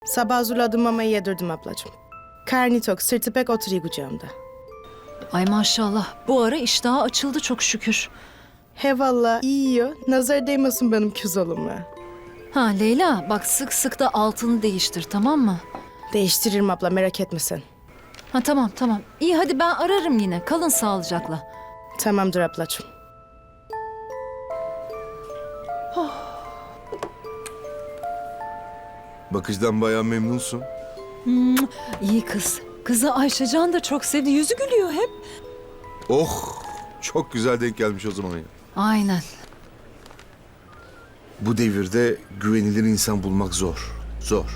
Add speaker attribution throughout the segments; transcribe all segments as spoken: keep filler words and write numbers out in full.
Speaker 1: Sabah hazırladım mamayı yedirdim ablacığım. Karnı tok, sırtı pek oturuyor kucağımda.
Speaker 2: Ay maşallah. Bu ara iştahı açıldı çok şükür.
Speaker 1: He valla iyi yiyor. Nazar değmesin benim küz oğluma.
Speaker 2: Ha Leyla bak sık sık da altını değiştir tamam mı?
Speaker 1: Değiştiririm abla, merak etme sen.
Speaker 2: Ha tamam tamam. İyi hadi ben ararım yine. Kalın sağlıcakla.
Speaker 1: Tamamdır ablacığım.
Speaker 3: Bakıcıdan bayağı memnunsun.
Speaker 2: İyi kız. Kızı Ayşecan da çok sevdi. Yüzü gülüyor hep.
Speaker 3: Oh, çok güzel denk gelmiş o zaman ya.
Speaker 2: Aynen.
Speaker 3: Bu devirde güvenilir insan bulmak zor. Zor.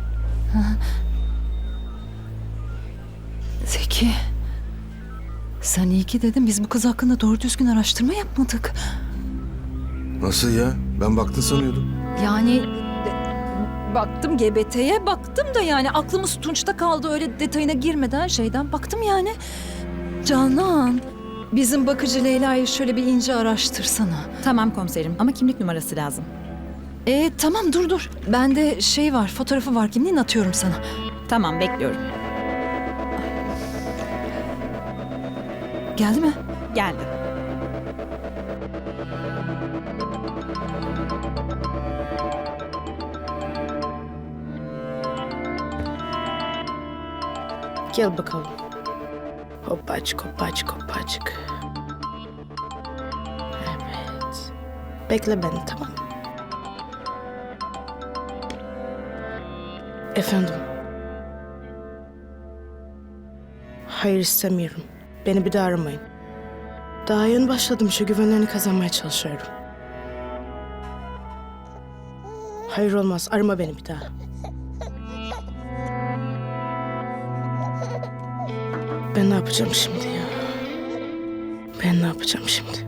Speaker 2: Zeki. Sen iyi ki dedin. Biz bu kız hakkında doğru düzgün araştırma yapmadık.
Speaker 3: Nasıl ya? Ben baktın sanıyordum.
Speaker 2: Yani e, baktım G B T'ye baktım da yani aklımız Tunç'ta kaldı öyle detayına girmeden şeyden baktım yani. Canan, bizim bakıcı Leyla'yı şöyle bir ince araştırsana.
Speaker 4: Tamam komiserim ama kimlik numarası lazım.
Speaker 2: E tamam dur dur. Bende şey var, fotoğrafı var kimliğin atıyorum sana.
Speaker 4: Tamam bekliyorum.
Speaker 2: Geldi mi?
Speaker 4: Geldi.
Speaker 1: Gel bakalım. Hoppacık, hoppacık, hoppacık. Evet. Bekle beni, tamam mı? Efendim. Hayır, istemiyorum. Beni bir daha aramayın. Daha yeni başladım, şu güvenlerini kazanmaya çalışıyorum. Hayır olmaz, arama beni bir daha. Ben ne yapacağım şimdi ya? Ben ne yapacağım şimdi?